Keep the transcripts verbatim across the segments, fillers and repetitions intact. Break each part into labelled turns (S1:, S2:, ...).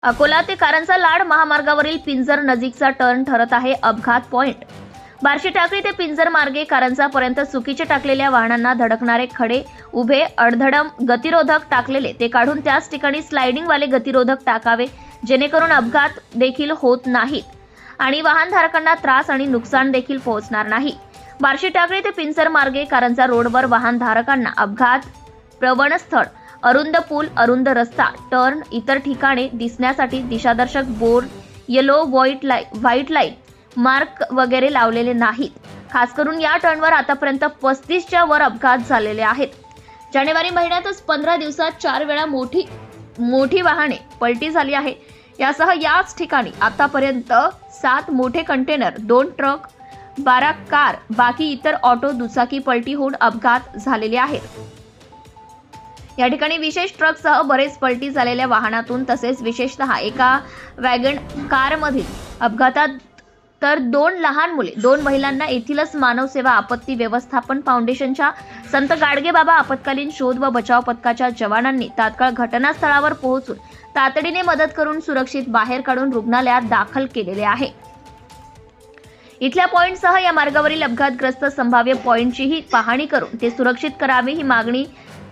S1: अकोला ते कारंजा लाड महामार्गावरील पिंजर नजीकचा टर्न ठरत आहे अपघात पॉइंट। बार्शी टाकळी ते पिंजर मार्गे कारंजापर्यंत चुकीचे टाकलेल्या वाहनांना धडकणारे खडे उभे अडधडम गतिरोधक टाकलेले ते काढून त्याच ठिकाणी स्लायडिंग वाले गतिरोधक टाकावे, जेणेकरून अपघात देखील होत नाहीत आणि वाहनधारकांना त्रास आणि नुकसान देखील पोहोचणार नाही। बार्शी टाकळी ते पिंजर मार्गे कारंजा रोडवर वाहनधारकांना अपघात प्रवण स्थळ, अरुंद पूल, अरुंद रस्ता, टर्न, इतर ठिकाणे दिसण्यासाठी दिशादर्शक board, yellow white light white light mark वगैरे लावलेले नाहीत। खास करून या टर्नवर आतापर्यंत पस्तीसच्या वर अपघात झालेले आहेत। जानेवारी महिन्यातच पंधरा दिवसात चार वेळा मोठी मोठी वाहने पलटी झाली आहे। यासह याच ठिकाणी आतापर्यंत सात मोठे कंटेनर, दोन ट्रक, बारा कार, बाकी इतर ऑटो, दुचाकी पलटी होऊन अपघात झालेले आहेत। या ठिकाणी विशेष ट्रकसह बरेच पलटी झालेल्या वाहनातून तसेच विशेषतः एका वॅगन कारमधील अपघातात तर दोन लहान मुले, दोन महिलांना येथीलच मानव सेवा आपत्ती व्यवस्थापन फाउंडेशनच्या संत गाडगेबाबा आपत्कालीन शोध व बचाव पथकाच्या जवानांनी तात्काळ घटनास्थळावर पोहोचून तातडीने मदत करून सुरक्षित बाहेर काढून रुग्णालयात दाखल केलेले आहे। इथल्या पॉइंटसह या मार्गावरील अपघातग्रस्त संभाव्य पॉइंटचीही पाहणी करून ते सुरक्षित करावे ही मागणी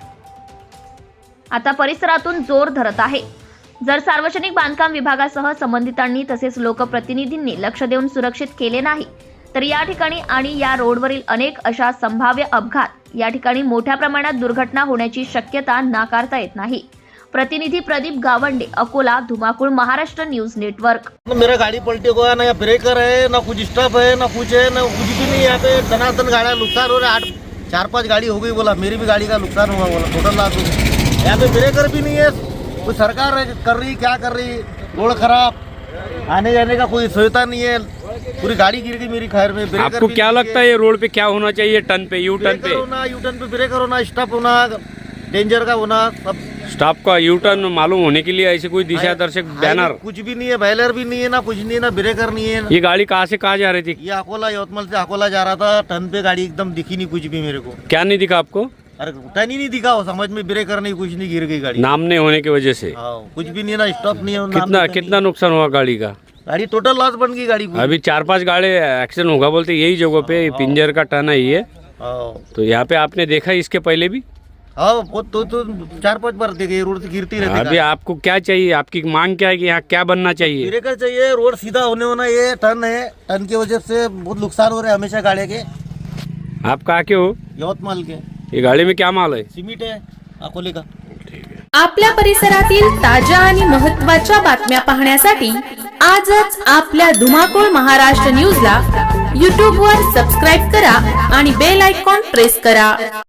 S1: आता परिसरातून जोर धरत आहे। जर सार्वजनिक बांधकाम विभागासह संबंधितांनी तसेच लोकप्रतिनिधींनी लक्ष देऊन सुरक्षित केले नाही तर या ठिकाणी आणि या रोडवरील अनेक अशा संभाव्य अपघात या ठिकाणी मोठ्या प्रमाणात दुर्घटना होण्याची शक्यता नाकारता येत नाही। प्रतिनिधी प्रदीप गावंडे, अकोला, धुमाकूळ, महाराष्ट्र न्यूज नेटवर्क।
S2: मेरा गाड़ी पलटे को है ना, ब्रेकर है ना, कुछ स्टॉप है ना, कुछ है ना, कुछ भी नहीं। यहाँ पे धनाधन गाड़ियाँ नुकसान हो रहा है। आठ चार पांच गाड़ी हो गई, बोला मेरी भी गाड़ी का नुकसान हुआ, बोला टोटल लाख हो गई। यहाँ पे ब्रेकर भी नहीं है। कोई सरकार कर रही क्या कर रही, रोड खराब, आने जाने का कोई सुविधा नहीं है, पूरी गाड़ी गिर गई मेरी खैर में।
S3: आपको क्या लगता है ये रोड पे क्या होना चाहिए? टर्न पे, यू टर्न पे
S2: होना, यू टर्न पे ब्रेकर होना, स्टॉप होना, डेंजर का होना, सब
S3: स्टॉप का यू टर्न मालूम होने के लिए ऐसे कोई दिशा दर्शक बैनर
S2: कुछ भी नहीं है, बैलर भी नहीं है ना, कुछ नहीं है ना, ब्रेकर नहीं है।
S3: ये गाड़ी कहाँ से कहाँ जा रही थी?
S2: ये अकोला यवतमाल से अकोला जा रहा था। टर्न पे गाड़ी एकदम दिखी नहीं कुछ भी मेरे को।
S3: क्या नहीं दिखा आपको?
S2: अरे टर्न ही नहीं दिखा, हो समझ में ब्रेकर नहीं, कुछ नहीं, गिर गई गाड़ी।
S3: नाम नहीं होने की वजह से
S2: हाँ, कुछ भी नहीं ना, स्टॉप नहीं है। नाम
S3: कितना
S2: नहीं
S3: कितना नुकसान हुआ गाड़ी का?
S2: गाड़ी टोटल लॉस बन गई गाड़ी को।
S3: अभी चार पांच गाड़ी एक्सीडेंट होगा बोलते, यही जगह पे पिंजर का टर्न है ये।
S2: हाँ
S3: तो यहाँ पे आपने देखा इसके पहले भी?
S2: हाँ, वो तो, तो चार पांच बार देखे, रोड से गिरती रहती।
S3: अभी आपको क्या चाहिए? आपकी मांग क्या है कि यहाँ क्या बनना चाहिए?
S2: ब्रेकर चाहिए, रोड सीधा होने होना। ये टर्न है, टर्न की वजह से बहुत नुकसान हो रहे हैं हमेशा गाड़ी के।
S3: आप कहाँ के हो?
S2: यवतमाल के।
S3: ये गाड़ी में क्या माल है?
S2: सिमेंट है अकोले का।
S4: आपल्या परिसरातील ताज्या आणि महत्त्वाच्या बातम्या पाहण्यासाठी आजच आपल्या धुमाकूळ महाराष्ट्र न्यूजला यूट्यूब वर सबस्क्राईब करा आणि बेल आयकॉन प्रेस करा।